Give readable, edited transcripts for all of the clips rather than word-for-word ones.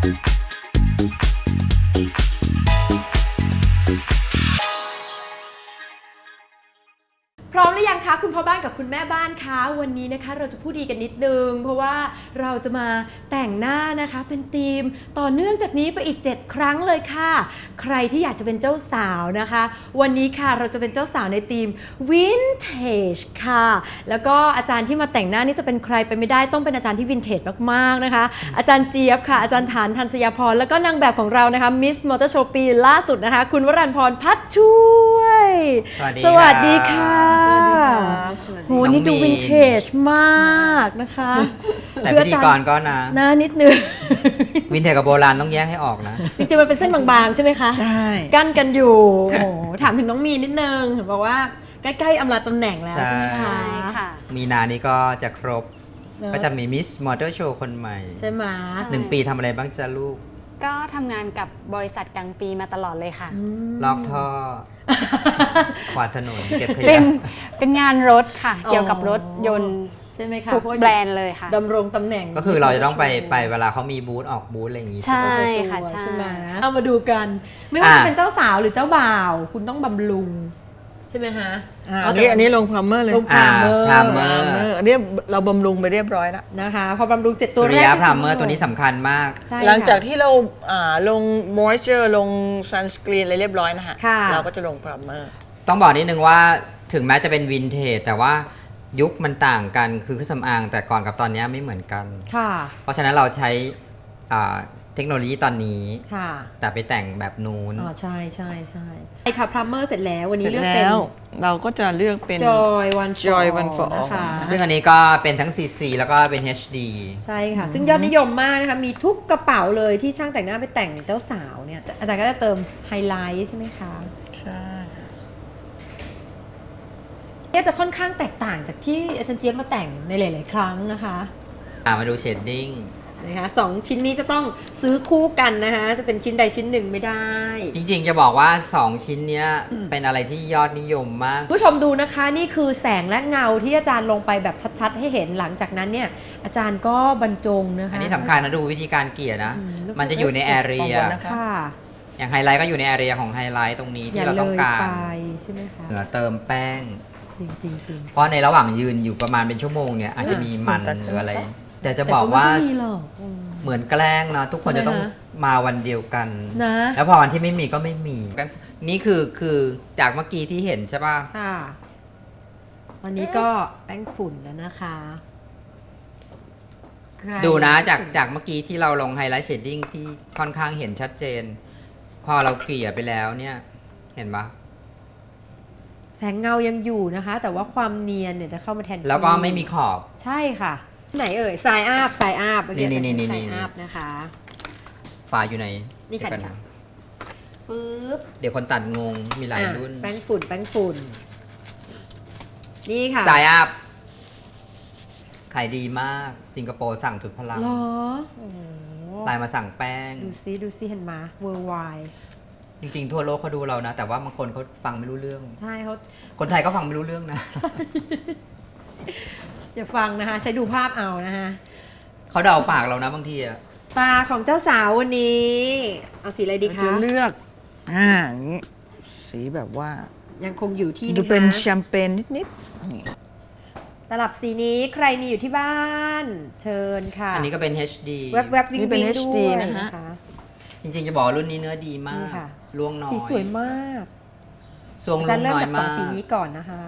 พร้อมหรือยังคะคุณพ่อบ้านกับคุณแม่บ้านคะวันนี้นะคะเราจะพูดดีกันนิดนึงเพราะว่าเราจะมาแต่งหน้านะคะเป็นธีมต่อเนื่องจากนี้ไปอีก7ครั้งเลยค่ะใครที่อยากจะเป็นเจ้าสาวนะคะวันนี้ค่ะเราจะเป็นเจ้าสาวในธีม Vintage ค่ะแล้วก็อาจารย์ที่มาแต่งหน้านี่จะเป็นใครไปไม่ได้ต้องเป็นอาจารย์ที่วินเทจมากๆนะคะอาจารย์เจี๊ยบค่ะอาจารย์ฐานทันสยาพรแล้วก็นางแบบของเรานะคะมิสมอเตอร์โชว์ปีล่าสุดนะคะคุณวรัญพรพัชช่วยสวัสดีค่ะโหนี่ดูวินเทจมากนะคะแต่พิธีกรก็นะหน้านิดนึงวินเทจกับโบราณต้องแยกให้ออกนะจริงๆมันเป็นเส้นบางๆใช่ไหมคะใช่กั้นกันอยู่โอ้ถามถึงน้องมีนิดนึงเห็นบอกว่าใกล้ๆอำลาตำแหน่งแล้วใช่ไหมคะมีนานี้ก็จะครบก็จะมีมิสมอเตอร์โชว์คนใหม่ใช่ไหม 1 ปีทำอะไรบ้างจ๊ะลูกก็ทำงานกับบริษัทกลางปีมาตลอดเลยค่ะลอกท่อขวาดถนนเก็บขยะเป็นงานรถค่ะเกี่ยวกับรถยนต์ใช่ไหมคะทุกแบรนด์เลยค่ะดำรงตำแหน่งก็คือเราจะต้องไปเวลาเขามีบูธออกบูธอะไรอย่างงี้ใช่ค่ะใช่ไหมเอามาดูกันไม่ว่าจะเป็นเจ้าสาวหรือเจ้าบ่าวคุณต้องบำรุงใช่ไหมฮะอันนี้ลงพรามเมอร์เลยลงพรามเมอร์อันนี้เราบำรุงไปเรียบร้อยแล้วนะคะพอบำรุงเสร็จตัวแรกพรามเมอร์ตัวนี้สำคัญมากหลังจากที่เราลงมอยเจอร์ลงซันสกรีนอะไรเรียบร้อยนะฮะเราก็จะลงพรามเมอร์ต้องบอกนิดนึงว่าถึงแม้จะเป็นวินเทจแต่ว่ายุคมันต่างกันคือเครื่องสำอางแต่ก่อนกับตอนนี้ไม่เหมือนกันเพราะฉะนั้นเราใช้เทคโนโลยีตอนนี้แต่ไปแต่งแบบนู้นใช่ใช่ใช่ไอ้ค่ะพรามเมอร์เสร็จแล้ววันนี้เลือกเป็นเราก็จะเลือกเป็น Joy One for All นะคะซึ่งอันนี้ก็เป็นทั้ง CC แล้วก็เป็น HD ใช่ค่ะซึ่งยอดนิยมมากนะคะมีทุกกระเป๋าเลยที่ช่างแต่งหน้าไปแต่งเจ้าสาวเนี่ยอาจารย์ก็จะเติมไฮไลท์ใช่ไหมคะใช่เนี่ยจะค่อนข้างแตกต่างจากที่อาจารย์เจี๊ยบมาแต่งในหลายๆครั้งนะคะมาดูเชดดิ้งนะคะ2ชิ้นนี้จะต้องซื้อคู่กันนะคะจะเป็นชิ้นใดชิ้นหนึ่งไม่ได้จริงๆจะบอกว่า2ชิ้นนี้เป็นอะไรที่ยอดนิยมมากผู้ชมดูนะคะนี่คือแสงและเงาที่อาจารย์ลงไปแบบชัดๆให้เห็นหลังจากนั้นเนี่ยอาจารย์ก็บรรจงนะคะอันนี้สำคัญนะดูวิธีการเกลี่ยนะมันจะอยู่ในแอเรียอย่างไฮไลท์ก็อยู่ในแอเรียของไฮไลท์ตรงนี้ที่เราต้องการใช่ไหมคะเหนือเติมแป้งจริงเพราะในระหว่างยืนอยู่ประมาณเป็นชั่วโมงเนี่ยอาจจะมีมันหรืออะไรแต่จะบอกว่าเหมือนแกล้งนะทุกคนจะต้องมาวันเดียวกันนะแล้วพอวันที่ไม่มีก็ไม่มีนี่คือจากเมื่อกี้ที่เห็นใช่ป่ะค่ะวันนี้ก็แป้งฝุ่นแล้วนะคะดูนะจากเมื่อกี้ที่เราลงไฮไลท์เชดดิ้งที่ค่อนข้างเห็นชัดเจนพอเราเกลี่ยไปแล้วเนี่ยเห็นปะแสงเงายังอยู่นะคะแต่ว่าความเนียนเนี่ยจะเข้ามาแทนที่แล้วก็ไม่มีขอบใช่ค่ะไหนเอ่ยสายอาบสายอาบนี่สายอาบนะคะฝาอยู่ไหนนี่ค่ะปึ๊บเดี๋ยวคนตัดงงมีหลายรุ่นแป้งฝุ่นนี่ค่ะสายอาบขายดีมากสิงคโปร์สั่งสุดพลังหรอไลน์มาสั่งแป้งดูซิเห็นมาเวอร์ไวจริงๆทั่วโลกเขาดูเรานะแต่ว่าบางคนเขาฟังไม่รู้เรื่องใช่เขาคนไทยก็ฟังไม่รู้เรื่องนะอย่าฟังนะคะใช้ดูภาพเอานะคะเขาเดาปากเรานะบางทีอะตาของเจ้าสาววันนี้เอาสีอะไรดีคะจะเลือกอย่างนี้สีแบบว่ายังคงอยู่ที่ดูเป็นแชมเปญนิดตลับสีนี้ใครมีอยู่ที่บ้านเชิญค่ะอันนี้ก็เป็น HD แวบๆวิ่งๆด้วยนะคะจริงๆจะบอกรุ่นนี้เนื้อดีมากล่วงน้อยสีสวยมากจะเริ่มจาก2สีนี้ก่อนนะคะ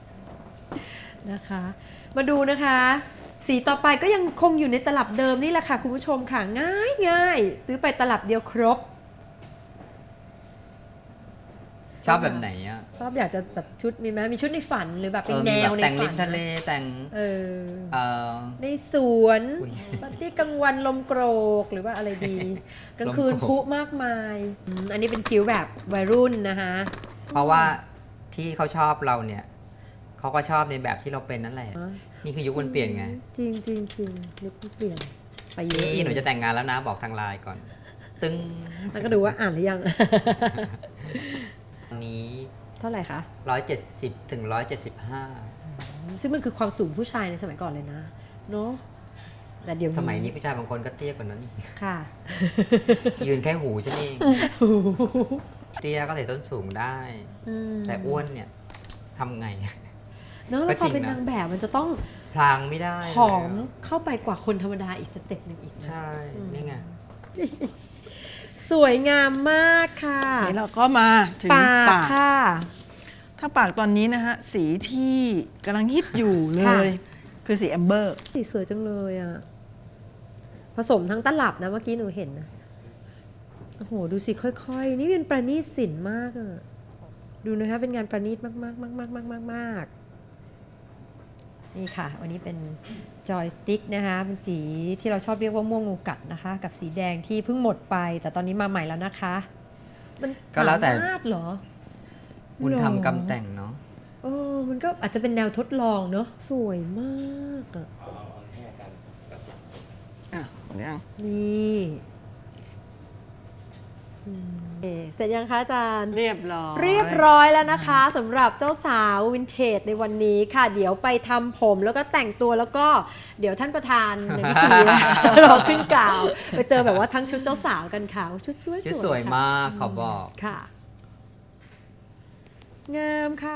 มาดูนะคะสีต่อไปก็ยังคงอยู่ในตลับเดิมนี่แหละค่ะคุณผู้ชมค่ะง่ายซื้อไปตลับเดียวครบชอบแบบไหนอ่ะชอบอยากจะแบบชุดมีไหมมีชุดในฝันหรือแบบเป็นแนวในฝันแต่งริมทะเลแต่งในสวนปาร์ตี้กลางวันลมโกรกหรือว่าอะไรดีกลางคืนพุมากมายอันนี้เป็นคิ้วแบบวัยรุ่นนะคะเพราะว่าที่เขาชอบเราเนี่ยเขาก็ชอบในแบบที่เราเป็นนั่นแหละนี่คือยุคมันเปลี่ยนไงจริงยุคมันเปลี่ยนไปเยอะนี่หนูจะแต่งงานแล้วนะบอกทางไลน์ก่อนตึ้งแล้วก็ดูว่าอ่านหรือยังนี้เท่าไหร่คะ 170 ถึง 175 ซึ่งมันคือความสูงผู้ชายในสมัยก่อนเลยนะเนาะแต่เดี๋ยวสมัยนี้ผู้ชายบางคนก็เตี้ยกว่านั้นอีกค่ะยืนแค่หูฉันเอง เตี้ยก็ใส่ส้นสูงได้ แต่อ้วนเนี่ยทำไงเนอะแล้วพอเป็นนางแบบมันจะต้องพลางไม่ได้ผอมเข้าไปกว่าคนธรรมดาอีกสเต็ปหนึ่งอีกนะใช่นี่ไงสวยงามมากค่ะนี่เราก็มาถึงปากปากค่ะถ้าปากตอนนี้นะฮะ สีที่กำลังฮิตอยู่เลค่ะย คือสีแอมเบอร์สีสวยจังเลยอ่ะ ผสมทั้งตลับนะเมื่อกี้หนูเห็นนะโอ้โหดูสิค่อยๆ นี่เป็นประณีตศิลป์มากอ่ะ ดูนะคะเป็นงานประณีตมากๆมากๆนี่ค่ะ วันนี้เป็นจอยสติ๊กนะคะ เป็นสีที่เราชอบเรียกว่าม่วงงูกัดนะคะ กับสีแดงที่เพิ่งหมดไป แต่ตอนนี้มาใหม่แล้วนะคะ มันก็แล้วแต่สามารถเหรอคุณหรอทำกำแต่งเนาะมันก็อาจจะเป็นแนวทดลองเนาะสวยมากอะอ่ะยังนี่เสร็จยังคะอาจารย์เรียบร้อยเรียบร้อยแล้วนะคะสำหรับเจ้าสาววินเทจในวันนี้ค่ะ เดี๋ยวไปทำผมแล้วก็แต่งตัวแล้วก็เดี๋ยวท่านประธานในพิธี รอขึ้นกล่าว ไปเจอแบบว่าทั้งชุดเจ้าสาวกันค่ะชุดสวยที่ๆสวยค่ะมากขอบอกค่ะ งามค่ะ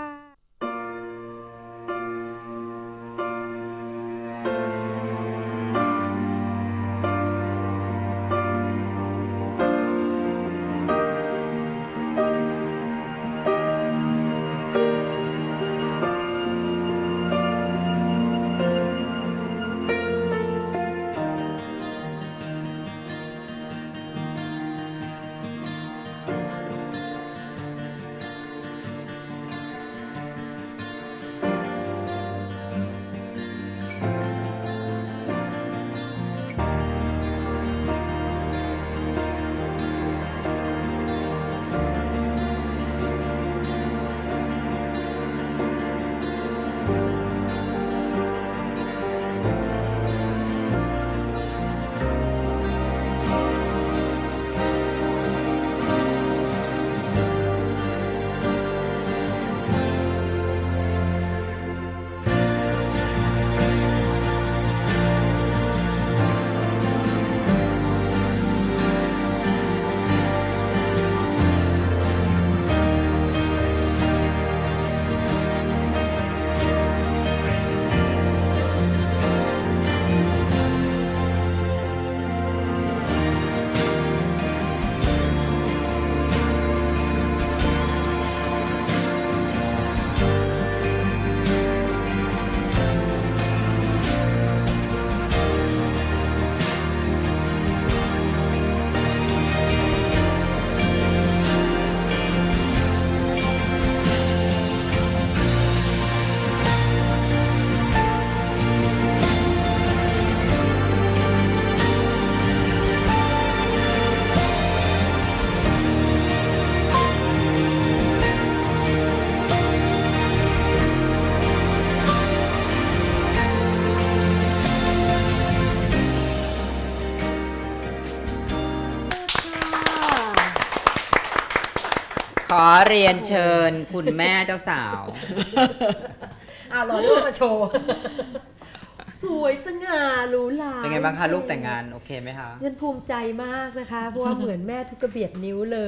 ขอเรียนเชิญคุณแม่เจ้าสาวรอรูปมาโชว์ สวยสง่าหรูหราเป็นไงบ้างคะลูกแต่งงานโอเคไหมคะฉันภูมิใจมากนะคะ เพราะว่าเหมือนแม่ทุกกระเบียดนิ้วเลย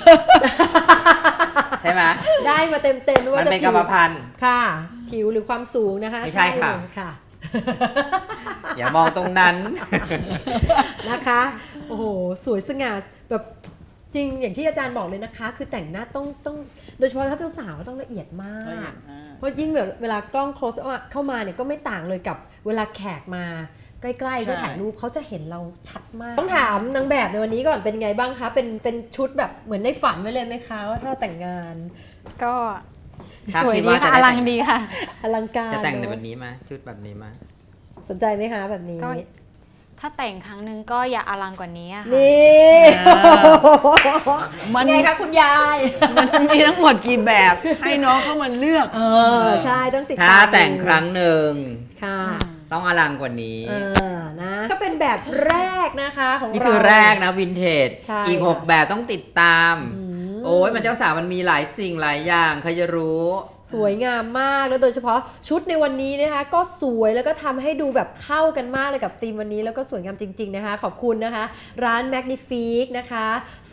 ใช่ไหมได้มาเต็มๆว่ามันจะเป็นกรรมพันธุ์ค่ะ ผิวหรือความสูงนะคะไม่ใช่ค่ะเลยค่ะอย่ามองตรงนั้นนะคะ โอ้โห สวยสง่าแบบจริงอย่างที่อาจารย์บอกเลยนะคะ คือแต่งหน้าต้องโดยเฉพาะถ้าเจ้าสาวต้องละเอียดมาก เพราะยิ่งแบบเวลากล้อง close up เข้ามาเนี่ยก็ไม่ต่างเลยกับเวลาแขกมาใกล้ๆใช่ก็ถ่ายรูปเขาจะเห็นเราชัดมาก ต้องถามนางแบบในวันนี้ก่อนเป็นไงบ้างคะ เป็นชุดแบบเหมือนในฝันไว้เลยไหมคะว่าถ้าเราแต่งงานก็ถ้าสวยคิดดีว่าจะค่ะได้อลังดีค่ะอลังการจะแต่งในเนอะแบบนี้มาชุดแบบนี้มาสนใจไหมคะแบบนี้ก็ ถ้าแต่งครั้งหนึ่งก็อย่าอลังกว่านี้อะค่ะนี่มันไงคะคุณยายมันมีทั้งหมดกี่แบบ ให้น้องเข้ามาเลือกใช่ต้องติดตามถ้าแต่งครั้งหนึ่งค่ะต้องอลังกว่านี้นะก็เป็นแบบแรกนะคะของเรานี่คือแรกนะวินเทจใช่อีกค่ะ 6 แบบต้องติดตามอืมโอ้ยมันเจ้าสาวมันมีหลายสิ่งหลายอย่างใครจะรู้สสวยงามมากแล้วโดยเฉพาะชุดในวันนี้นะคะก็สวยแล้วก็ทำให้ดูแบบเข้ากันมากเลยกับธีมวันนี้แล้วก็สวยงามจริงๆนะคะขอบคุณนะคะร้าน Magnifique นะคะ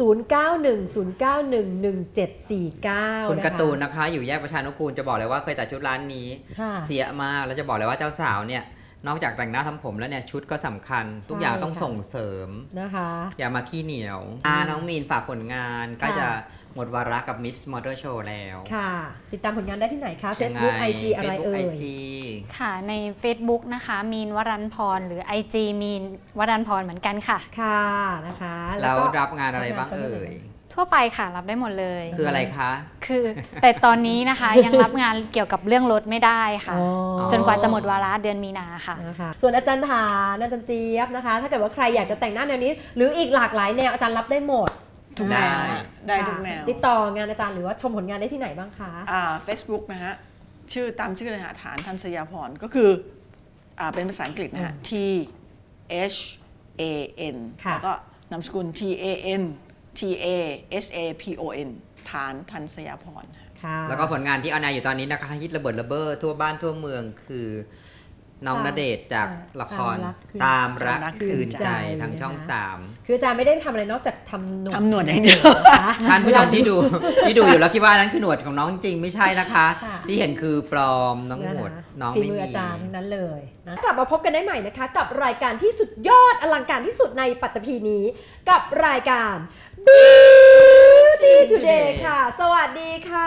0910911749 คุณการ์ตูนนะคะอยู่แยกประชานุกูลจะบอกเลยว่าเคยจัดชุดร้านนี้ค่ะเสียมากแล้วจะบอกเลยว่าเจ้าสาวเนี่ยนอกจากแต่งหน้าทำผมแล้วเนี่ยชุดก็สำคัญ ทุกอย่างต้องค่ะส่งเสริมนะคะอย่ามาขี้เหนียวน้องมีนฝากผลงานใกล้จะหมดวาระกับ Miss Motor Show แล้วค่ะ ติดตามผลงานได้ที่ไหนคะยังไง Facebook IG อะไรเอ่ Facebook ย IG ค่ะใน Facebook นะคะมีนวรันพรหรือ IG มีนวรันพรเหมือนกันค่ะค่ะนะคะแล้วก็รับงานอะไรบ้างเอ่ยทั่วไปค่ะรับได้หมดเลยคืออะไรคะคือแต่ตอนนี้นะคะ ยังรับงานเกี่ยวกับเรื่องรถไม่ได้ค่ะอ๋อจนกว่าจะหมดวาระเดือนมีนาค่ะนะคะส่วนอาจารย์ฐานอาจารย์เจี๊ยบนะคะ ถ้าเกิดว่าใครอยากจะแต่งหน้าแนวนี้ หรืออีกหลากหลายแนวอาจารย์รับได้หมดทุกแนวได้ได้ทุกแนวติดต่องานอาจารย์หรือว่าชมผลงานได้ที่ไหนบ้างคะ Facebook นะฮะชื่อตามชื่อเลยฮะฐานทันสยาพรก็คือเป็นภาษาอังกฤษนะฮะ T H A N ค่ะแล้วก็นามสกุล T A N T A S A P O N ฐานทันสยาพรค่ะแล้วก็ผลงานที่ออนแอร์อยู่ตอนนี้นะคะฮิตระเบิดระเบ้อทั่วบ้านทั่วเมืองคือน้องณเดชน์จากละครตามรักคืนใจทางช่อง 3 คืออาจารย์ไม่ได้ทำอะไรนอกจากทำหนวดทำหนวดอย่างเดียวนะคะท่านผู้ชมที่ดู อยู่แล้วคิดว่านั้นคือหนวดของน้องจริงไม่ใช่นะคะค่ะที่เห็นคือปลอมน้องหนวดน้องฝีไม่มือมีอาจารย์ทั้งนั้นเลยนะกลับมาพบกันได้ใหม่นะคะ กับรายการที่สุดยอดอลังการที่สุดในปัตตภีนี้ กับรายการ Beauty Today ค่ะ สวัสดีค่ะ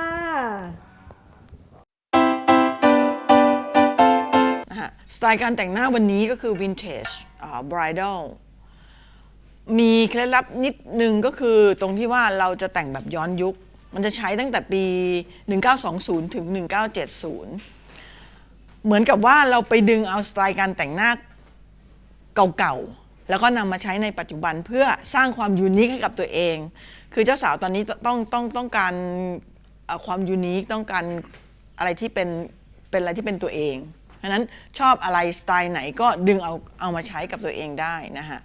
สไตล์การแต่งหน้าวันนี้ก็คือ Vintage Bridal มีเคล็ดลับนิดนึงก็คือตรงที่ว่าเราจะแต่งแบบย้อนยุค มันจะใช้ตั้งแต่ปี 1920 ถึง 1970 เหมือนกับว่าเราไปดึงเอาสไตล์การแต่งหน้าเก่าๆ แล้วก็นำมาใช้ในปัจจุบันเพื่อสร้างความยูนิคให้กับตัวเอง คือเจ้าสาวตอนนี้ต้องการความยูนิคต้องการอะไรที่เป็นอะไรที่เป็นตัวเองเพราะฉะนั้นชอบอะไรสไตล์ไหนก็ดึงเอามาใช้กับตัวเองได้นะฮะ